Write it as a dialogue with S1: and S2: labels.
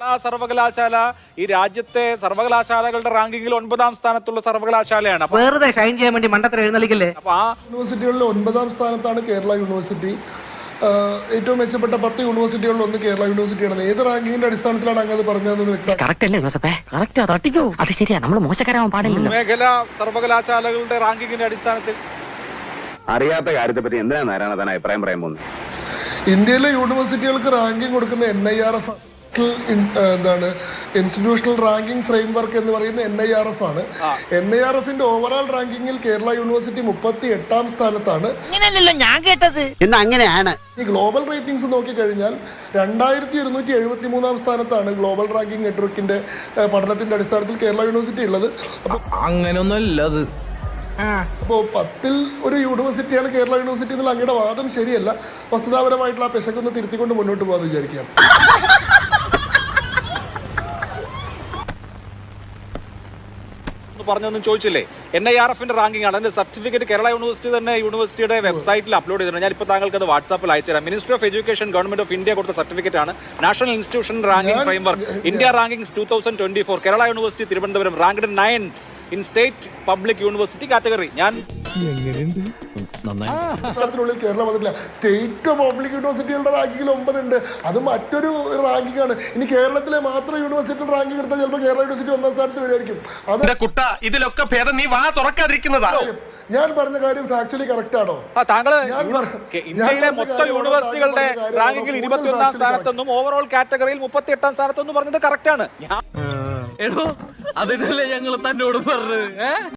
S1: സർവകലാശാല ഈ രാജ്യത്തെ സർവകലാശാലകളുടെ റാങ്കിങ്ങിൽ 9ാം സ്ഥാനത്തുള്ള സർവകലാശാലയാണ്.
S2: വെറുതെ ഷൈൻ ചെയ്യാൻ വേണ്ടി മണ്ടത്തരം എഴുന്നള്ളിക്കല്ലേ.
S1: അപ്പൊ ആ
S3: യൂണിവേഴ്സിറ്റികളിൽ 9ാം സ്ഥാനത്താണ് കേരള യൂണിവേഴ്സിറ്റി. ഏറ്റവും മെച്ചപ്പെട്ട 10 യൂണിവേഴ്സിറ്റികളിൽ ഒന്ന് കേരള യൂണിവേഴ്സിറ്റിയാണ്. ഏത് റാങ്കിങ്ങിന്റെ അടിസ്ഥാനത്തിലാണ് അങ്ങനെ പറഞ്ഞതെന്ന് വ്യക്തമാണ്.
S1: മേഖല സർവകലാശാലകളുടെ റാങ്കിങ്ങിന്റെ അടിസ്ഥാനത്തിൽ
S4: അറിയാത്ത കാര്യത്തെ പറ്റി എന്തിനാണ് നാരായണ താൻ അഭിപ്രായം പറയാൻ പോകുന്നത്?
S3: ഇന്ത്യയിലെ യൂണിവേഴ്സിറ്റികൾക്ക് റാങ്കിങ് കൊടുക്കുന്ന NIRF എന്താണ്, ഇൻസ്റ്റിറ്റ്യൂഷണൽ റാങ്കിങ് ഫ്രെയിംവർക്ക് എന്ന് പറയുന്ന NIRF ആണ്. NIRFന്റെ ഓവറോൾ റാങ്കിങ്ങിൽ കേരള യൂണിവേഴ്സിറ്റി 38ാം സ്ഥാനത്താണ്.
S2: ഞാൻ കേട്ടത്
S5: അങ്ങനെയാണ്.
S3: ഈ ഗ്ലോബൽ റേറ്റിംഗ്സ് നോക്കിക്കഴിഞ്ഞാൽ 2273ാം സ്ഥാനത്താണ് ഗ്ലോബൽ റാങ്കിങ് നെറ്റ്വർക്കിന്റെ പഠനത്തിന്റെ അടിസ്ഥാനത്തിൽ കേരള യൂണിവേഴ്സിറ്റി ഉള്ളത്.
S6: അങ്ങനെയൊന്നുമല്ല അത്.
S3: അപ്പോൾ 10ൽ ഒരു യൂണിവേഴ്സിറ്റിയാണ് കേരള യൂണിവേഴ്സിറ്റി എന്നുള്ള അങ്ങയുടെ വാദം ശരിയല്ല. വസ്തുതാപരമായിട്ടുള്ള ആ പെശകൊന്ന് തിരുത്തിക്കൊണ്ട് മുന്നോട്ട് പോകാമെന്ന് വിചാരിക്കുകയാണ്.
S1: പറഞ്ഞൊന്നും ചോദിച്ചില്ലേ? NIRFന്റെ റാങ്കിങ് ആണ്. അതിന്റെ സർട്ടിഫിക്കറ്റ് കേരള യൂണിവേഴ്സിറ്റി തന്നെ യൂണിവേഴ്സിറ്റിയുടെ വെബ്സൈറ്റിൽ അപ്ലോഡ് ചെയ്തിട്ടുണ്ട്. ഞാനിപ്പോൾ താങ്കൾക്ക് അത് വാട്സാപ്പിൽ അയച്ചുതരാം. Ministry of education government of India കൊടുത്ത സർട്ടിഫിക്കറ്റ് ആണ്. National institution ranking framework India rankings 2024. Kerala university Thiruvananthapuram ranked 9th in state public university category. ഞാൻ
S3: ിനുള്ളിൽ കേരളം വന്നിട്ടില്ല. സ്റ്റേറ്റ് പബ്ലിക് യൂണിവേഴ്സിറ്റികളുടെ റാങ്കിങ്ങിൽ 9 ഉണ്ട്. അത് മറ്റൊരു റാങ്കിങ് ആണ്. ഇനി കേരളത്തിലെ മാത്രം യൂണിവേഴ്സിറ്റി റാങ്കിങ് എടുത്താൽ ചിലപ്പോൾ കേരള യൂണിവേഴ്സിറ്റി 1ാം സ്ഥാനത്ത് വരുമായിരിക്കും.
S6: ഇതിലൊക്കെ ഭേദം നീ വാ തുറക്കാതിരിക്കുന്നതാ.
S3: ഞാൻ പറഞ്ഞ കാര്യം ആക്ച്വലി കറക്റ്റ് ആണോ?
S1: താങ്കൾ ഇന്ത്യയിലെ മൊത്തം യൂണിവേഴ്സിറ്റികളുടെ റാങ്കിങ്ങിൽ 21ാം സ്ഥാനത്തൊന്നും ഓവറോൾ കാറ്റഗറിയിൽ 38ാം സ്ഥാനത്തൊന്നും പറഞ്ഞത് കറക്റ്റ് ആണ്.
S6: എടോ അതിനല്ലേ ഞങ്ങൾ തന്നോട് പറഞ്ഞത്.